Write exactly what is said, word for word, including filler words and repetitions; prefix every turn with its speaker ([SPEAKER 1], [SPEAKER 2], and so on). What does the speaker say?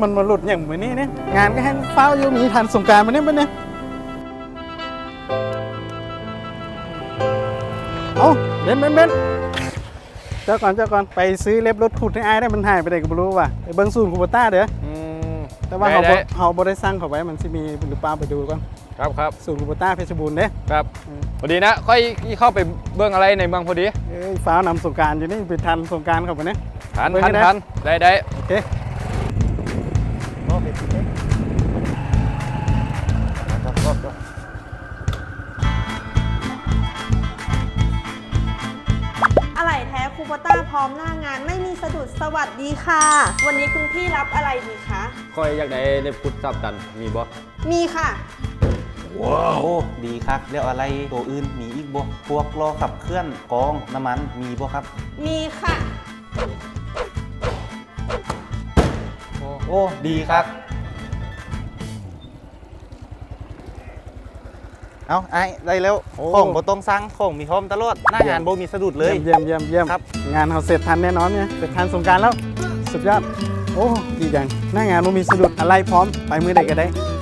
[SPEAKER 1] มันมาหลุดอย่างเหมือนนี้เนี่ยงานก็ให้เฝ้าอยู่มีทันสงกรานต์มาเนี่ยมันเนี่ยเอาเบนเบนเบนเจ้าก่อนเจ้าก่อนไปซื้อเล็บรถขุดให้อายได้มันหายไปไหนก็ไม่รู้ว่ะไปเบิ้งศูนย์คูปต้าเด้อแต่ว่าเขาเขาบริสั่งเขาไว้มันจะมีหรือเปล่าไปดูก่อน
[SPEAKER 2] ครับครับ
[SPEAKER 1] ศูนย์คูปต้าเพชรบูรณ์เด้
[SPEAKER 2] ครับพอดีนะค่อยเข้าไปเบื้องอะไรในเมืองพอดี
[SPEAKER 1] เอ้ยฟ้านำสงการอยู่นี่ไปทันสงการเขาไปเนี่ย
[SPEAKER 2] ทันทันทันได้ได้
[SPEAKER 1] โอเค
[SPEAKER 3] อะไรแท้คูปต้าพร้อมหน้างานไม่มีสะดุดสวัสดีค่ะวันนี้คุณพี่รับอะไรดีคะ
[SPEAKER 2] ค่อยอยากได้เล็บพุดซับกันมีบ่
[SPEAKER 3] มีค่ะ
[SPEAKER 4] ว้าวโอ้ดีครับแล้วอะไรตัวอื่นมีอีกบ่พวกล้อขับเคลื่อนกองน้ำมันมีบ่ครับ
[SPEAKER 3] มีค่ะ
[SPEAKER 4] โอ้ดีครับเอาไอ้ได้แล้วของบ่ต้องสั่งของมีพร้อมตลอดหน้างานบ่มีสะดุดเลย
[SPEAKER 1] เยี่ยมเยี่ยมเยี่ยมครับงานเขาเสร็จทันแน่นอนเนี่ยเสร็จทันสงกรานต์แล้วสุดยอดโอ้ดีจังหน้างานบ่มีสะดุดอะไรพร้อมไปมือใดก็ได้